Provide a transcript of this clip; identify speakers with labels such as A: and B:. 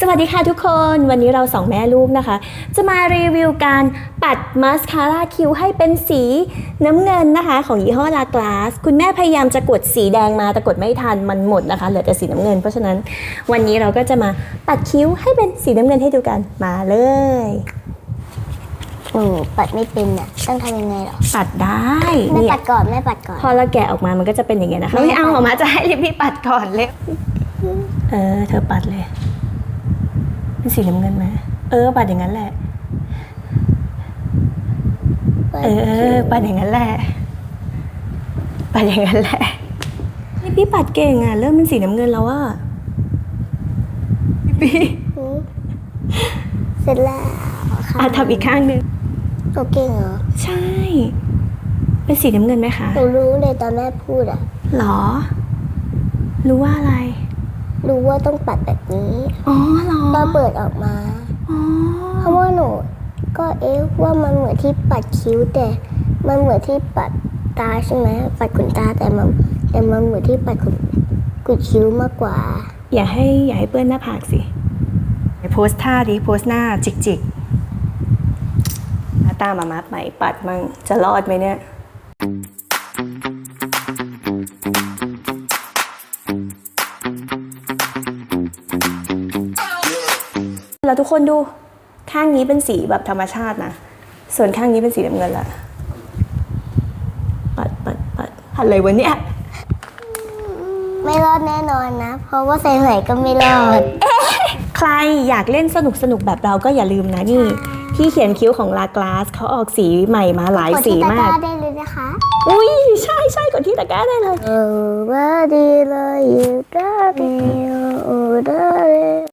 A: สวัสดีค่ะทุกคนวันนี้เราสองแม่ลูกนะคะจะมารีวิวการปัดมาสคาร่าคิ้วให้เป็นสีน้ำเงินนะคะของยี่ห้อลากลาสคุณแม่พยายามจะกดสีแดงมาแต่กดไม่ทันมันหมดนะคะเหลือแต่สีน้ำเงินเพราะฉะนั้นวันนี้เราก็จะมาปัดคิ้วให้เป็นสีน้ำเงินให้ดูกันมาเลย
B: ปัดไม่เป็นอ่ะต้องทำยังไงหรอ
A: ปัดได้
B: แม่ปัดก่อนแม่ปัดก่อน
A: พอเราแกะออกมามันก็จะเป็นอย่างเงี้ยนะคะไม่เอาออกมาจะให้พี่ปัดก่อนเลยเธอปัดเลยเป็นสีน้ำเงินไหมปัดอย่างนั้นแหละปัดอย่างนั้นแหละปัดอย่างนั้นแหละนี่พี่ปัดเก่งอ่ะเริ่มเป็นสีน้ำเงินแล้วอ่ะพี่
B: เสร็จแล้วค่ะ
A: ทำอีกข้างนึง
B: ตัวเก่งเหรอ
A: ใช่เป็นสีน้ำเงินไหมคะ
B: หนูรู้เลยตอนแม่พูดอ่ะ
A: หรอรู้ว่าอะไร
B: รู้ว่าต้องปัดแบบนี้
A: หรอ
B: ก็เปิดออกมาเพราะว่าหนูก็ว่ามันเหมือนที่ปัดคิ้วแต่มันเหมือนที่ปัดตาใช่ไหมปัดขนตาแต่มันเหมือนที่ปัดกุดคิ้วมากกว่า
A: อย่าให้เปื้อนหน้าผากสิโพสท่าดิโพสหน้าจิกตามามัดไหมปัดมั่งจะรอดไหมเนี่ยแล้วทุกคนดูข้างนี้เป็นสีแบบธรรมชาตินะส่วนข้างนี้เป็นสีน้ำเงินละปัดอะไรวะเนี่ย
B: ไม่รอดแน่นอนนะเพราะว่าใส่ไหนก็ไม่รอด
A: ใครอยากเล่นสนุกแบบเราก็อย่าลืมนะนี่ที่เขียนคิ้วของลากลาสเขาออกสีใหม่มาหลายสีมาก
B: กดที่ตะกร้าได้เลยนะคะ
A: อุ้ยใช่กดที่ตะกร้าได้เลย
B: ว่าดีเลยอยู่ได้